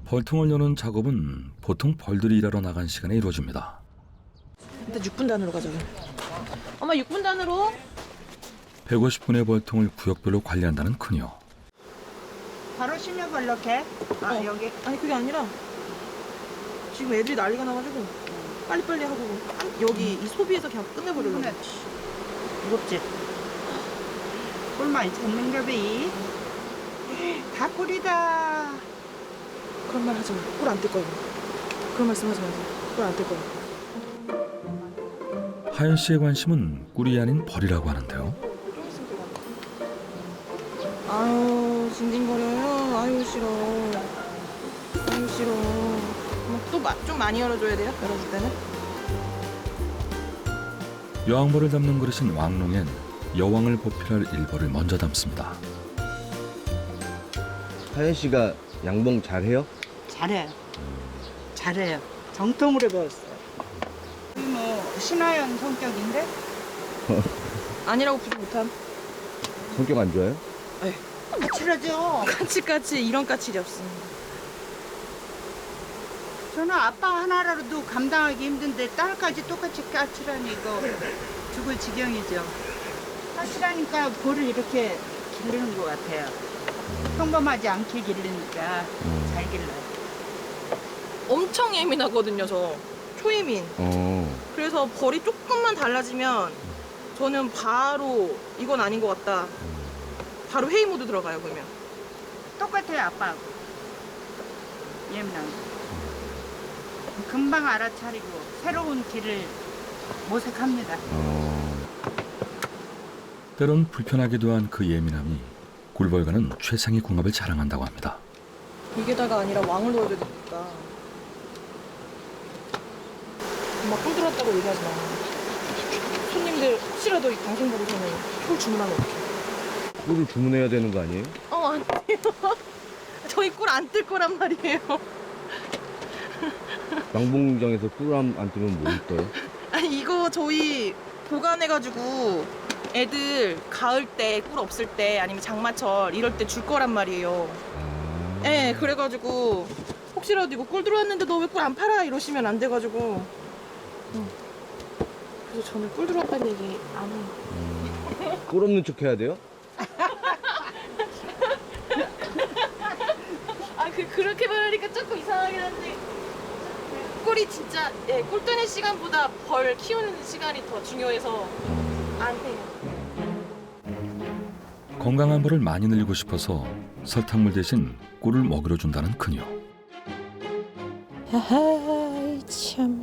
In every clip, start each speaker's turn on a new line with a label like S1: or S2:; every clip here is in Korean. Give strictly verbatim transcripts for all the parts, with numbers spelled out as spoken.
S1: 벌통을 여는 작업은 보통 벌들이 일하러 나간 시간에 이루어집니다.
S2: 일단 육 분 단으로 가자. 엄마 육 분 단으로.
S1: 백오십 분의 벌통을 구역별로 관리한다는 그녀.
S3: 바로 실력을 넣게? 아,
S2: 어.
S3: 여기?
S2: 아니 그게 아니라 지금 애들이 난리가 나가지고 빨리빨리 하고 여기 이 소비에서 그냥 끝내버리려고.
S3: 그래. 무겁지? 꿀 많이 찾는 거비? 다 꿀이다.
S2: 그런 말 하지 마. 꿀 안 뜰 거야. 그런 말씀 하지 마세요. 꿀 안 뜰 거야.
S1: 하연 씨의 관심은 꿀이 아닌 벌이라고 하는데요.
S2: 좀 있으면 들어가. 아유 징징거려요. 아유 싫어. 아유 싫어. 또 좀 많이 열어줘야 돼요? 열어줄 때는?
S1: 여왕벌을 담는 그릇인 왕롱엔 여왕을 보필할 일벌을 먼저 담습니다.
S4: 하연 씨가 양봉 잘해요?
S3: 잘해요. 잘해요. 정통으로 배웠어요. 우리 뭐 신하연 성격인데?
S2: 아니라고 부르 못함.
S4: 성격 안 좋아요?
S3: 까칠하죠?
S2: 까치까치 이런 까칠이 없습니다.
S3: 저는 아빠 하나라도 감당하기 힘든데 딸까지 똑같이 까칠하니 이거 죽을 지경이죠. 까칠하니까 볼을 이렇게 기르는 것 같아요. 평범하지 않게 기르니까 잘 길러요.
S2: 엄청 예민하거든요, 저. 초예민.
S4: 어.
S2: 그래서 벌이 조금만 달라지면 저는 바로 이건 아닌 것 같다. 바로 회의 모드 들어가요, 그러면.
S3: 똑같아요, 아빠하고. 예민한 거. 금방 알아차리고 새로운 길을 모색합니다.
S4: 어.
S1: 때론 불편하기도 한 그 예민함이 꿀벌과는 최상의 궁합을 자랑한다고 합니다.
S2: 이게다가 아니라 왕을 넣어야 되니까. 엄마 꿀 들었다고 얘기하지 마. 손님들 혹시라도 당신 보고서는 꿀 주문하면 어떡해.
S4: 꿀을 주문해야 되는 거 아니에요?
S2: 어, 안 돼요. 저희 꿀 안 뜰 거란 말이에요.
S4: 양봉장에서 꿀 안 뜨면 뭐 떠요?
S2: 아니 이거 저희 보관해가지고 애들 가을 때 꿀 없을 때 아니면 장마철 이럴 때 줄 거란 말이에요.
S4: 아.
S2: 네, 그래가지고 혹시라도 이거 꿀 들어왔는데 너 왜 꿀 안 팔아? 이러시면 안 돼가지고. 응. 그래서 저는 꿀 들어왔다는 얘기 안 해요.
S4: 음. 꿀 없는 척 해야 돼요?
S2: 아, 그 그렇게 말하니까 조금 이상하긴 한데 꿀이 진짜 예, 꿀 뜨는 시간보다 벌 키우는 시간이 더 중요해서 안 해요.
S1: 건강한 벌을 많이 늘리고 싶어서 설탕물 대신 꿀을 먹이로 준다는 그녀.
S2: 아이 참.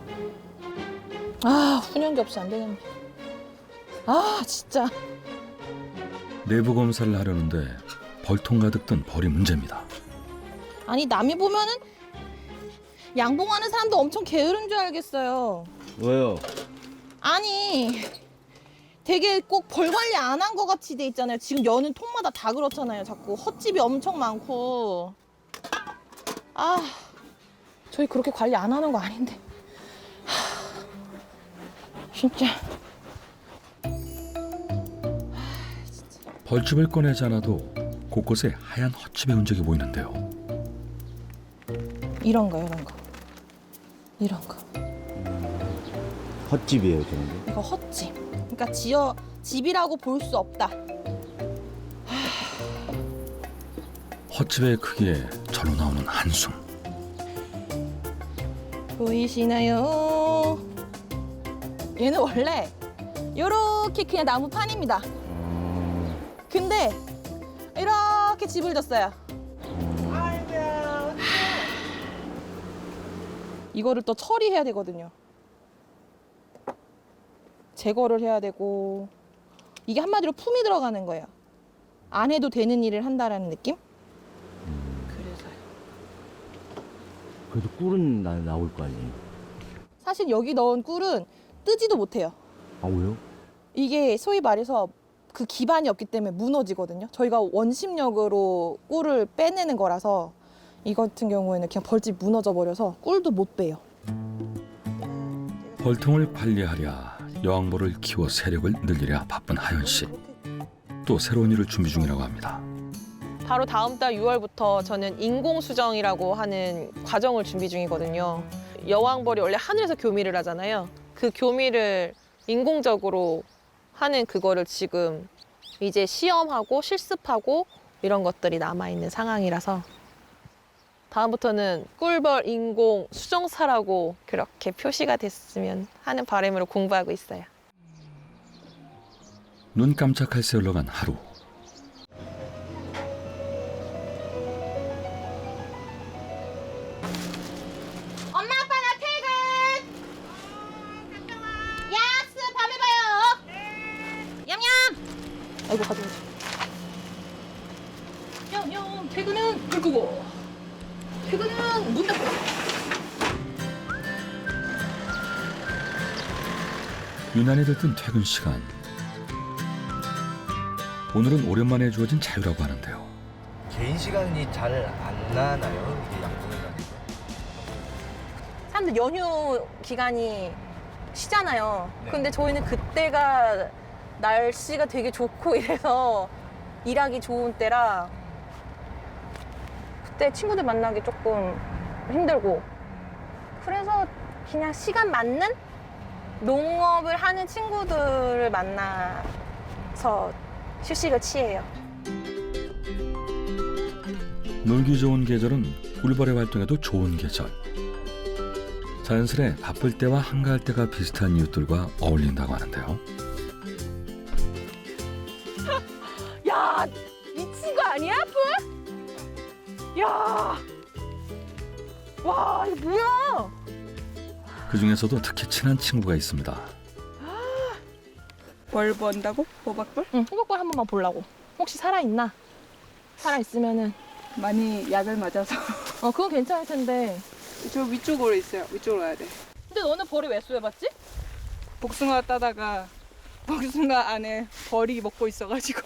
S2: 아 훈연기 없이 안 되겠네. 아 진짜.
S1: 내부 검사를 하려는데 벌통 가득 든 벌이 문제입니다.
S2: 아니 남이 보면은 양봉하는 사람도 엄청 게으른 줄 알겠어요.
S4: 왜요?
S2: 아니 되게 꼭 벌 관리 안 한 것 같이 돼 있잖아요. 지금 여는 통마다 다 그렇잖아요. 자꾸 헛집이 엄청 많고. 아 저희 그렇게 관리 안 하는 거 아닌데. 하, 진짜.
S1: 벌집을 꺼내지 않아도 곳곳에 하얀 헛집의 흔적이 보이는데요.
S2: 이런 거 이런 거 이런 거
S4: 헛집이에요, 저는.
S2: 이거 헛집. 그러니까 지어 집이라고 볼 수 없다.
S1: 헛집의 크기에 절로 나오는 한숨.
S2: 보이시나요? 얘는 원래 요렇게 그냥 나무판입니다.
S4: 어.
S2: 근데 이렇게 집을 졌어요.
S3: 아이고야.
S2: 이거를 또 처리해야 되거든요. 제거를 해야 되고 이게 한마디로 품이 들어가는 거예요. 안 해도 되는 일을 한다라는 느낌? 그래서요.
S4: 그래도 꿀은 나, 나올 거 아니에요?
S2: 사실 여기 넣은 꿀은 뜨지도 못해요.
S4: 아, 왜요?
S2: 이게 소위 말해서 그 기반이 없기 때문에 무너지거든요. 저희가 원심력으로 꿀을 빼내는 거라서 이 같은 경우에는 그냥 벌집 무너져 버려서 꿀도 못 빼요.
S1: 벌통을 관리하랴 여왕벌을 키워 세력을 늘리랴 바쁜 하연 씨. 또 새로운 일을 준비 중이라고 합니다.
S5: 바로 다음 달 유월부터 저는 인공수정이라고 하는 과정을 준비 중이거든요. 여왕벌이 원래 하늘에서 교미를 하잖아요. 그 교미를 인공적으로 하는 그거를 지금 이제 시험하고 실습하고 이런 것들이 남아있는 상황이라서 다음부터는 꿀벌 인공 수정사라고 그렇게 표시가 됐으면 하는 바람으로 공부하고 있어요.
S1: 눈 깜짝할 새 흘러간 하루.
S2: 엄마 아빠 나 퇴근. 야스 밤에 봐요. 얌얌. 아이고 가져오지. 얌얌 퇴근은 불 끄고. 퇴근은 문 닫고.
S1: 유난히 들뜬 퇴근 시간. 오늘은 오랜만에 주어진 자유라고 하는데요.
S6: 개인 시간이 잘 안 나나요? 이게 양봉에 가니까.
S5: 사람들 연휴 기간이 쉬잖아요.
S6: 네.
S5: 근데 저희는 그때가 날씨가 되게 좋고 이래서 일하기 좋은 때라 그때 친구들 만나기 조금 힘들고 그래서 그냥 시간 맞는 농업을 하는 친구들을 만나서 휴식을 취해요.
S1: 놀기 좋은 계절은 꿀벌의 활동에도 좋은 계절. 자연스레 바쁠 때와 한가할 때가 비슷한 이웃들과 어울린다고 하는데요.
S5: 야, 미친 거 아니야, 뿔? 야, 와, 이거 뭐야?
S1: 그 중에서도 특히 친한 친구가 있습니다.
S7: 뭘 본다고? 호박벌?
S5: 응, 호박벌 한 번만 보려고. 혹시 살아있나? 살아있으면은
S7: 많이 약을 맞아서
S5: 어, 그건 괜찮을 텐데.
S7: 저 위쪽으로 있어요. 위쪽으로 가야 돼.
S5: 근데 너는 벌이 왜 쏘여봤지?
S7: 복숭아 따다가 복숭아 안에 벌이 먹고 있어가지고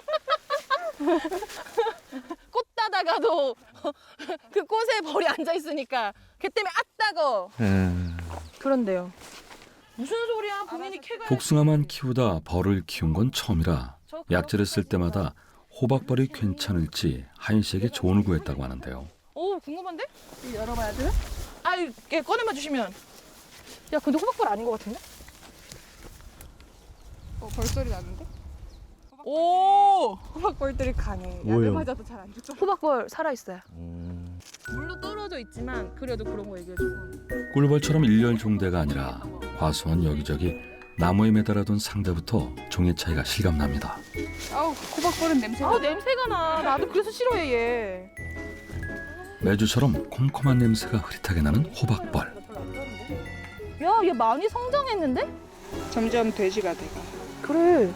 S5: 꽃 따다가도 그 꽃에 벌이 앉아있으니까 걔 때문에 아따거. 그런데요. 무슨 소리야? 본인이 캐가.
S1: 복숭아만 키우다 벌을 키운 건 처음이라 약재를 쓸 때마다 호박벌이 괜찮을지 하인 씨에게 조언을 구했다고 하는데요.
S5: 오, 궁금한데?
S7: 열어봐야 돼요?
S5: 아이, 얘 꺼내봐 주시면. 야, 근데 호박벌 아닌 것 같은데?
S7: 어, 벌소리 나는데?
S5: 오!
S7: 호박벌들이 강해. 약을
S4: 뭐예요?
S7: 맞아도 잘 안 죽어.
S5: 호박벌 살아있어요.
S4: 음,
S5: 물로 떨어져 있지만 그래도 그런 거 얘기해주고.
S1: 꿀벌처럼 일렬 종대가 아니라 과수원 여기저기 나무에 매달아둔 상자부터 종의 차이가 실감납니다.
S7: 아우, 호박벌은 냄새가.
S5: 아, 냄새가 나. 나도 그래서 싫어해, 얘.
S1: 매주처럼 콤콤한 냄새가 흐릿하게 나는 호박벌.
S5: 야, 얘 많이 성장했는데?
S7: 점점 돼지가 돼가.
S5: 그래.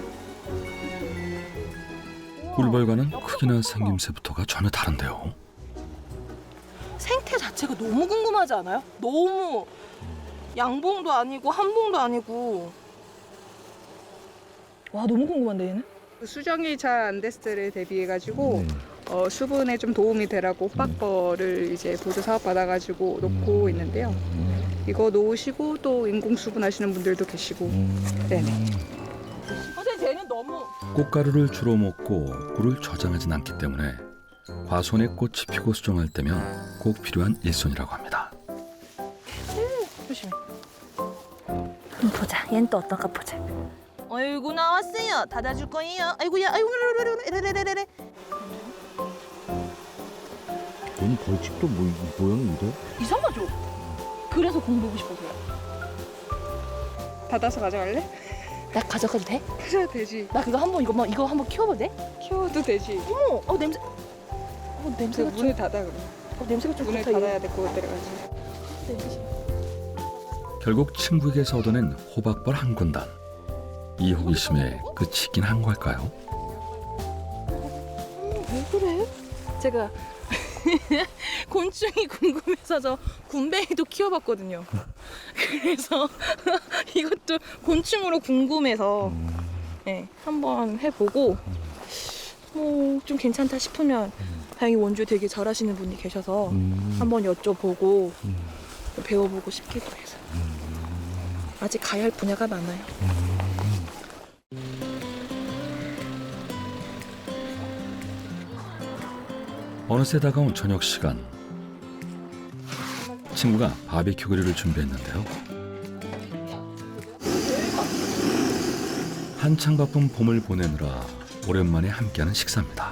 S1: 꿀벌과는 크기나 생김새부터가 전혀 다른데요.
S2: 생태 자체가 너무 궁금하지 않아요? 너무 양봉도 아니고 한봉도 아니고.
S5: 와, 너무 궁금한데, 얘는?
S7: 수정이 잘 안 됐을 때를 대비해가지고
S4: 네.
S7: 어, 수분에 좀 도움이 되라고 호박벌을 이제 보조 사업 받아가지고 놓고 있는데요. 이거 놓으시고 또 인공 수분 하시는 분들도 계시고. 네네.
S2: 선생님, 쟤는 너무.
S1: 꽃가루를 주로 먹고 꿀을 저장하진 않기 때문에 과수원에 꽃이 피고 수정할 때면 꼭 필요한 일손이라고 합니다.
S5: 조심해.
S2: 한번 보자. 얘는 또 어떨까 보자. 아이고 나왔어요. 닫아줄 거예요. 아이고야. 아이고 레레레레레레레.
S4: 얘는 벌집도 뭐, 모양이 이래?
S2: 이상하죠? 그래서 공부하고 싶어서요.
S7: 닫아서 가져갈래?
S2: 나 가져가도 돼?
S7: 그래 되지.
S2: 나 그거 한번 이거 이거 한번 키워봐도 돼?
S7: 키워도 되지.
S2: 어머, 어 냄새. 어
S7: 그
S2: 냄새가 좀.
S7: 문을 닫아 그럼.
S2: 어, 냄새가 좀
S7: 문을
S2: 좋다. 얘.
S7: 닫아야 될 것 같아가지고.
S1: 결국 친구에게서 얻어낸 호박벌 한 군단. 이 호기심에 끝이긴 한 걸까요?
S2: 왜 그래? 제가 곤충이 궁금해서 저 군뱅이도 키워봤거든요. 그래서 이것도 곤충으로 궁금해서 네, 한번 해보고 뭐 좀 괜찮다 싶으면 다행히 원주에 되게 잘하시는 분이 계셔서
S4: 음,
S2: 한번 여쭤보고
S4: 음.
S2: 배워보고 싶기도 해서 아직 가야 할 분야가 많아요.
S1: 어느새 다가온 저녁 시간. 친구가 바비큐 그릴을 준비했는데요. 한창 바쁜 봄을 보내느라 오랜만에 함께하는 식사입니다.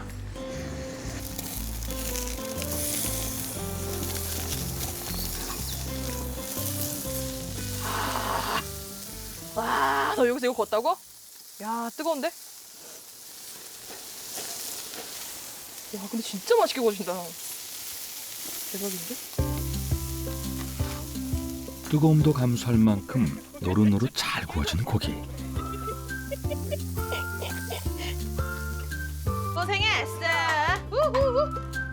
S5: 와, 너 여기서 이거 걷다고? 야, 뜨거운데? 야, 근데 진짜 맛있게 구워진다. 대박인데?
S1: 뜨거움도 감수할 만큼 노릇노릇 잘 구워진 고기.
S5: 고생했어. 우후후.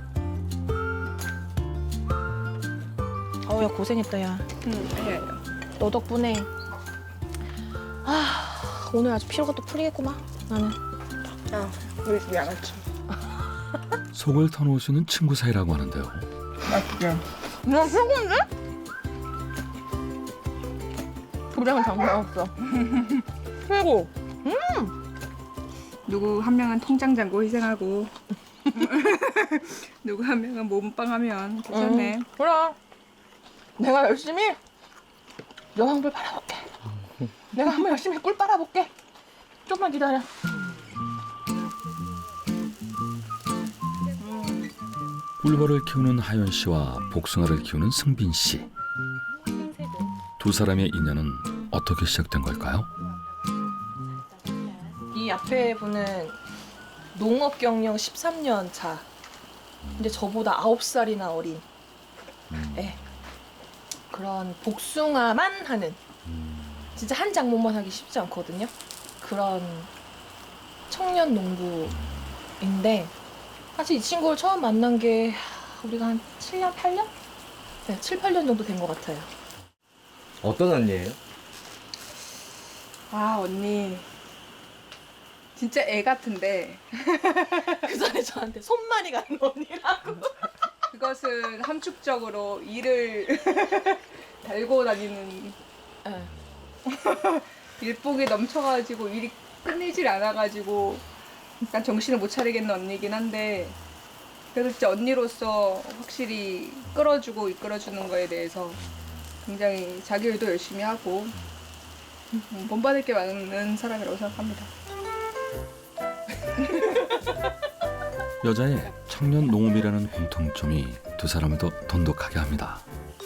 S5: 어우, 야, 고생했다, 야.
S7: 응, 아니에요.
S5: 너 덕분에 아, 오늘 아주 피로가 또 풀리겠구만, 나는.
S7: 아, 우리 집이 안 왔지.
S1: 속을 터놓을 수 있는 친구 사이라고 하는데요.
S7: 맛있게.
S5: 야, 최고인데? 도장은 장난 없어. 최고.
S7: 누구 한 명은 통장 잔고 희생하고 누구 한 명은 몸빵하면 괜찮네.
S5: 음, 그래. 내가 열심히 여왕불 빨아볼게. 내가 한번 열심히 꿀 빨아볼게. 좀만 기다려.
S1: 꿀벌을 키우는 하연 씨와 복숭아를 키우는 승빈 씨. 두 사람의 인연은 어떻게 시작된 걸까요?
S5: 이 앞에 분은 농업 경영 십삼 년 차. 근데 저보다 아홉 살이나 어린. 예. 그런 복숭아만 하는. 진짜 한 작목만 하기 쉽지 않거든요. 그런 청년 농부인데 사실 이 친구를 처음 만난 게 우리가 한 칠 년, 팔 년? 네, 칠, 팔 년 정도 된 것 같아요.
S6: 어떤 언니예요?
S7: 아, 언니. 진짜 애 같은데
S5: 그 전에 저한테 손만이 가는 언니라고.
S7: 그것은 함축적으로 일을 달고 다니는
S5: 네.
S7: 일복이 넘쳐가지고 일이 끝내질 않아가지고 약간 정신을 못 차리겠는 언니긴 한데 그래도 진짜 언니로서 확실히 끌어주고 이끌어주는 거에 대해서 굉장히 자기 일도 열심히 하고 음, 본받을 게 많은 사람이라고 생각합니다.
S1: 여자의 청년 농업이라는 공통점이 두 사람을 더 돈독하게 합니다.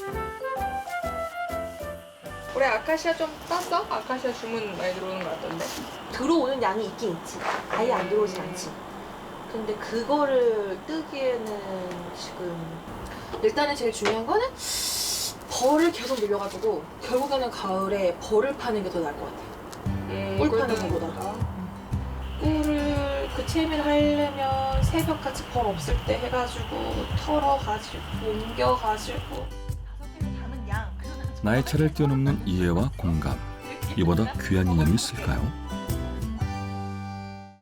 S7: 올해 아카시아 좀 땄어? 아카시아 주문 많이 들어오는 것 같던데.
S5: 들어오는 양이 있긴 있지. 아예 안 들어오진 않지. 근데 그거를 뜨기에는 지금 일단은 제일 중요한 거는 벌을 계속 늘려가지고 결국에는 가을에 벌을 파는 게 더 나을 것 같아요.
S7: 음,
S5: 꿀
S7: 꿀
S5: 파는
S7: 뜨는
S5: 것보다.
S7: 것보다.
S5: 꿀을 그 채미를 하려면 새벽같이 벌 없을 때 해가지고 털어가지고 옮겨가지고 다섯 개를 담은 양.
S1: 나의 차를 뛰어넘는 이해와 공감. 이보다 귀한 인연이 있을까요?